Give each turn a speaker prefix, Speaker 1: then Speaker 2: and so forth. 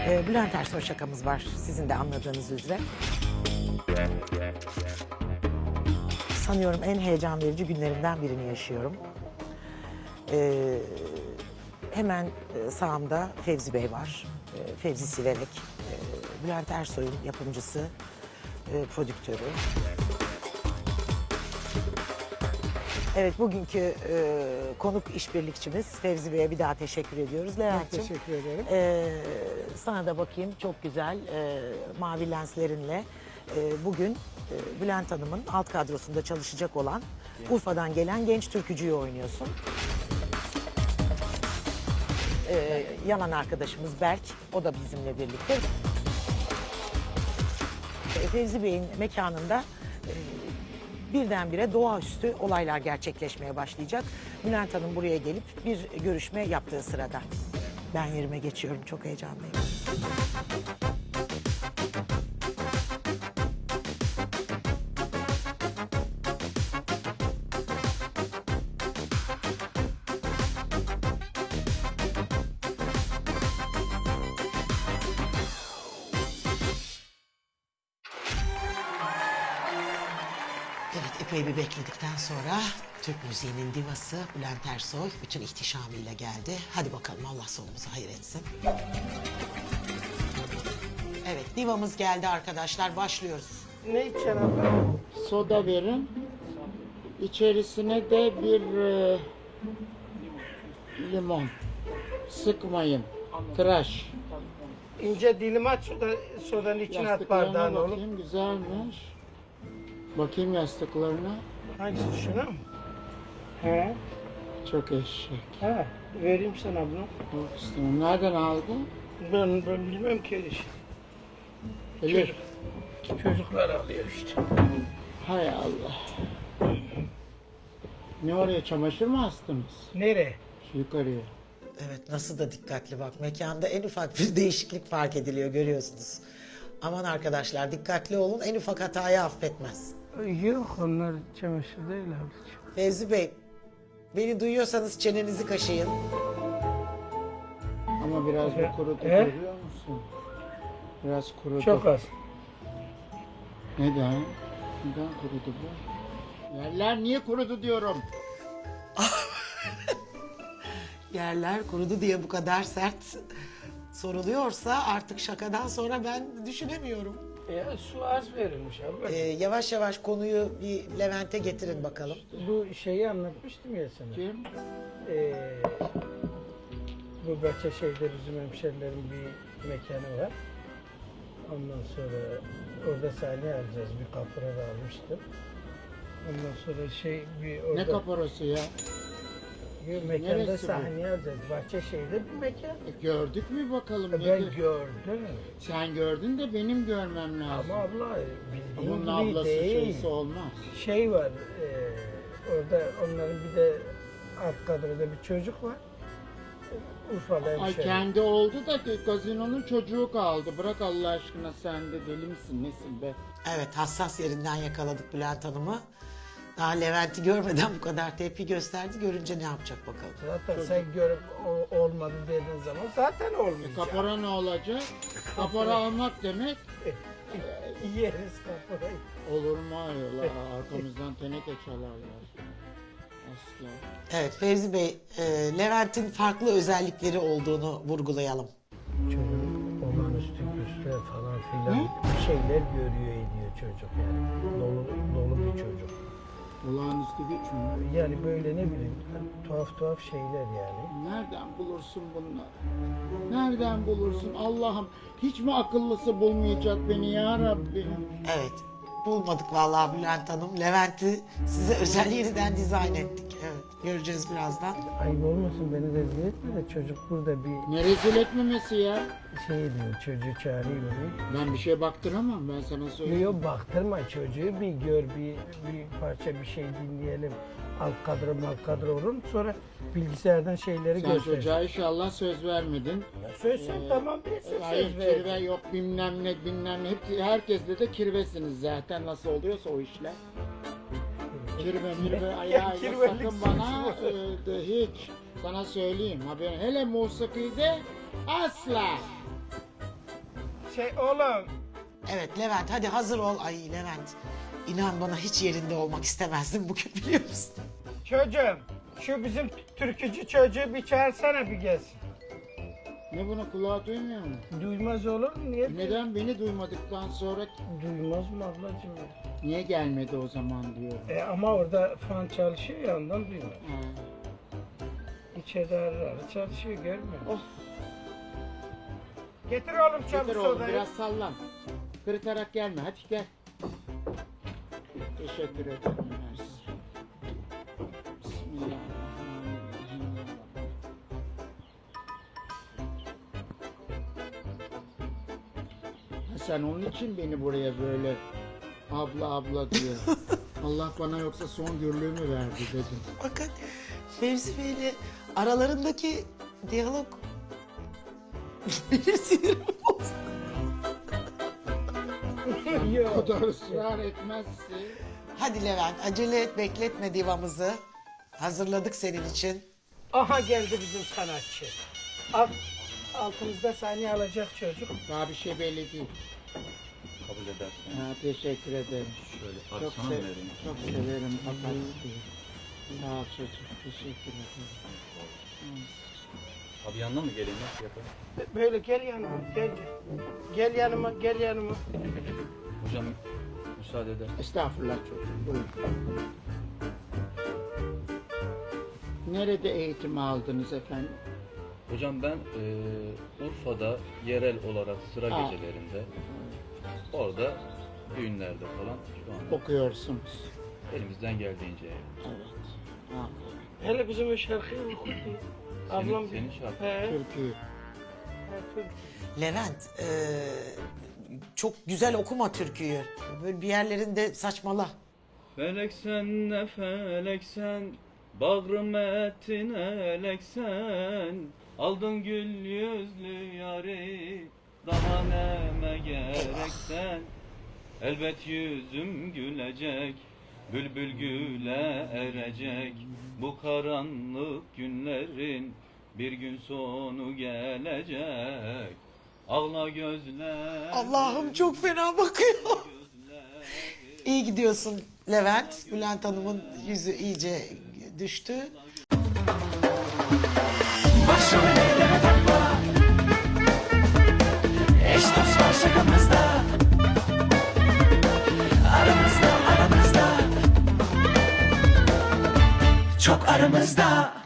Speaker 1: Bülent Ersoy şakamız var sizin de anladığınız üzere. Sanıyorum en heyecan verici günlerimden birini yaşıyorum. Hemen sağımda Fevzi Bey var. Fevzi Siverek. Bülent Ersoy'un yapımcısı, prodüktörü. Evet, bugünkü konuk işbirlikçimiz Fevzi Bey'e bir daha teşekkür ediyoruz. Levent'ciğim,
Speaker 2: Teşekkür ederim.
Speaker 1: sana da bakayım, çok güzel mavi lenslerinle bugün Bülent Hanım'ın alt kadrosunda çalışacak olan Urfa'dan gelen genç türkücüyü oynuyorsun. Yanan arkadaşımız Berk, o da bizimle birlikte. Fevzi Bey'in mekanında birdenbire doğaüstü olaylar gerçekleşmeye başlayacak. Bülent Hanım buraya gelip bir görüşme yaptığı sırada. Ben yerime geçiyorum, çok heyecanlıyım. Evet, epey bir bekledikten sonra Türk müziğinin divası Bülent Ersoy bütün ihtişamıyla geldi. Hadi bakalım, Allah sonumuzu hayır etsin. Evet, divamız geldi arkadaşlar, başlıyoruz.
Speaker 2: Ne içeceksin abla?
Speaker 3: Soda verin. İçerisine de bir limon. Sıkmayın. Tıraş.
Speaker 2: İnce dilim at, sodanın içine at
Speaker 3: Yastıklarına
Speaker 2: bardağın oğlum.
Speaker 3: bakayım, güzelmiş. Bakayım yastıklarına.
Speaker 2: Hangisi, şuna mı? He,
Speaker 3: Çok eşek.
Speaker 2: he. Vereyim sana bunu.
Speaker 3: Yok istemem. Nereden aldın?
Speaker 2: Ben bilmem ki işte.
Speaker 3: Elif.
Speaker 2: Çocuklar alıyor işte.
Speaker 3: Hay Allah. Ne oraya, çamaşır mı astınız?
Speaker 2: Nereye?
Speaker 3: Şu yukarıya.
Speaker 1: Evet, nasıl da dikkatli bak. Mekanda en ufak bir değişiklik fark ediliyor, görüyorsunuz. Aman arkadaşlar, dikkatli olun, en ufak hatayı affetmez.
Speaker 2: Yok, onlar çamaşır değil ablacığım.
Speaker 1: Fevzi Bey, beni duyuyorsanız çenenizi kaşıyın.
Speaker 3: Ama biraz da kurudu,
Speaker 2: He?
Speaker 3: görüyor musun? Biraz kurudu.
Speaker 2: Çok az.
Speaker 3: Neden? Neden kurudu bu? Yerler niye kurudu diyorum.
Speaker 1: Yerler kurudu diye bu kadar sert soruluyorsa artık şakadan sonra ben düşünemiyorum.
Speaker 2: Ya su az verilmiş abla.
Speaker 1: Yavaş yavaş konuyu bir Levent'e getirin bakalım.
Speaker 2: Bu şeyi anlatmıştım ya sana.
Speaker 3: Kim?
Speaker 2: Bu Bahçeşehir'de bizim hemşerilerin bir mekanı var. Ondan sonra orada sahne alacağız. Bir kapora da almıştım. Ondan sonra bir orada...
Speaker 3: Ne kaparası ya?
Speaker 2: Bir mekanda
Speaker 3: Neresi bu?
Speaker 2: sahne alacağız. Bahçeşehir'de bir mekan.
Speaker 3: Gördük mü bakalım?
Speaker 2: Ben
Speaker 3: nedir?
Speaker 2: gördüm.
Speaker 3: Sen gördün de benim görmem lazım.
Speaker 2: Ama abla bildiğin
Speaker 3: Bunun
Speaker 2: gibi
Speaker 3: ablası
Speaker 2: değil.
Speaker 3: şeysi olmaz.
Speaker 2: Şey var, orada onların bir de alt kadroda bir çocuk var. Urfa'da
Speaker 3: Ay
Speaker 2: hemşeri.
Speaker 3: kendi oldu da gazinonun çocuğu kaldı. Bırak Allah aşkına, sen de deli misin nesin be?
Speaker 1: Evet, hassas yerinden yakaladık Bülent Hanım'ı. Daha Levent'i görmeden bu kadar tepki gösterdi. Görünce ne yapacak bakalım.
Speaker 2: Zaten sen görüp olmadı dediğin zaman zaten olmayacak.
Speaker 3: Kapora ne olacak? Kapora almak demek
Speaker 2: Yeriz kaporayı.
Speaker 3: olur mu ayol? Arkamızdan teneke çalarlar. Asla.
Speaker 1: Evet Fevzi Bey, Levent'in farklı özellikleri olduğunu vurgulayalım.
Speaker 2: Çocuk olağanüstü güçler falan filan bir şeyler görüyor ediyor çocuk yani. Dolu bir çocuk.
Speaker 3: Olağanüstü güç mü?
Speaker 2: Yani böyle ne bileyim tuhaf şeyler yani.
Speaker 3: Nereden bulursun bunları? Nereden bulursun Allah'ım? Hiç mi akıllısı bulmayacak beni ya Rabbim?
Speaker 1: Evet, bulmadık vallahi Bülent Hanım. Levent'i size özel yeniden dizayn ettik. Evet, göreceğiz birazdan.
Speaker 2: Ayıp olmasın, beni rezil etme de çocuk burada bir
Speaker 3: Ne rezil etmemesi ya?
Speaker 2: şey diyor, çocuğu çağırayım onu.
Speaker 3: Ben bir şeye baktıramam, ben sana söyleyeyim.
Speaker 2: Yok baktırma çocuğu, bir gör, bir parça bir şey dinleyelim. Alt kadro olur, sonra bilgisayardan şeyleri
Speaker 3: Sen
Speaker 2: göster.
Speaker 3: çocuğa inşallah söz vermedin.
Speaker 2: Söylesem tamam, ben
Speaker 3: Hayır,
Speaker 2: söz
Speaker 3: kirve
Speaker 2: verdim.
Speaker 3: yok, bilmem ne. Herkesle de kirvesiniz zaten, nasıl oluyorsa o işler. Kirve ayağıyla
Speaker 2: kirvelik
Speaker 3: sakın bana hiç. Sana söyleyeyim haberin. Hele musikide asla.
Speaker 2: Oğlum.
Speaker 1: Evet Levent hadi hazır ol. Ay Levent inan bana hiç yerinde olmak istemezdim bugün biliyor musun?
Speaker 2: Çocuğum. Şu bizim türkücü çocuğu bir çağırsana bir gelsin.
Speaker 3: Ne bunu kulağı duymuyor mu?
Speaker 2: Duymaz olur mu? Niye?
Speaker 3: Neden beni duymadıktan sonra
Speaker 2: Duymaz mı ablacığım?
Speaker 3: niye gelmedi o zaman diyor.
Speaker 2: Ama orada fan çalışıyor ya ondan duymaz.
Speaker 3: Ha.
Speaker 2: İçeride ara çalışıyor görmüyor musun?
Speaker 3: Oh.
Speaker 2: Getir oğlum
Speaker 3: Getir
Speaker 2: çabuk
Speaker 3: oğlum
Speaker 2: sodayı.
Speaker 3: biraz sallan. Kırıtarak gelme hadi gel. Teşekkür ederim. Mersi. Bismillahirrahmanirrahim. Ha, sen onun için beni buraya böyle abla abla diyor. Allah bana yoksa son gürlüğümü verdi dedim.
Speaker 1: Bakın Fevzi Bey'le aralarındaki diyalog benim sinirimi bozdu.
Speaker 3: O
Speaker 2: Yok.
Speaker 3: kadar ısrar etmezse.
Speaker 1: Hadi Levent acele et bekletme divamızı. Hazırladık senin için.
Speaker 2: Aha geldi bizim sanatçı. Altımızda saniye alacak çocuk.
Speaker 3: Daha bir şey belli değil.
Speaker 4: Kabul edersen.
Speaker 3: Ha, teşekkür ederim.
Speaker 4: Şöyle
Speaker 3: Çok,
Speaker 4: sana mı vereyim?
Speaker 3: çok severim fakat sağ ol çocuk. Teşekkür ederim.
Speaker 4: Abi yanına mı geleyim? Nasıl yapayım?
Speaker 2: Böyle gel yanıma gel. Gel yanıma gel yanıma.
Speaker 4: Hocam müsaade eder.
Speaker 3: Estağfurullah çocuğum. Buyurun. Nerede eğitim aldınız efendim?
Speaker 4: Hocam ben Urfa'da yerel olarak sıra
Speaker 3: Aa.
Speaker 4: gecelerinde orada düğünlerde falan şu anda
Speaker 3: Okuyorsunuz.
Speaker 4: elimizden geldiğince.
Speaker 3: Evet. Aferin.
Speaker 2: Hele bizim o şarkıyı oku. Ablam
Speaker 4: Senin şarkı.
Speaker 2: He.
Speaker 3: Türküyü.
Speaker 1: Levent çok güzel okuma türküyü. Böyle bir yerlerinde saçmala.
Speaker 4: Felek sen ne felek sen, bağrım ettin elek sen, aldın gül yüzlü yari, daha neme gerek sen. Elbet yüzüm gülecek, bülbül güle erecek, bu karanlık günlerin bir gün sonu gelecek. Ağla gözler.
Speaker 1: Allah'ım çok fena bakıyor. İyi gidiyorsun Levent. Bülent Hanım'ın yüzü iyice düştü.
Speaker 5: Başımı elleme takma. Eş dost var şakamızda. Aramızda aramızda. Çok aramızda.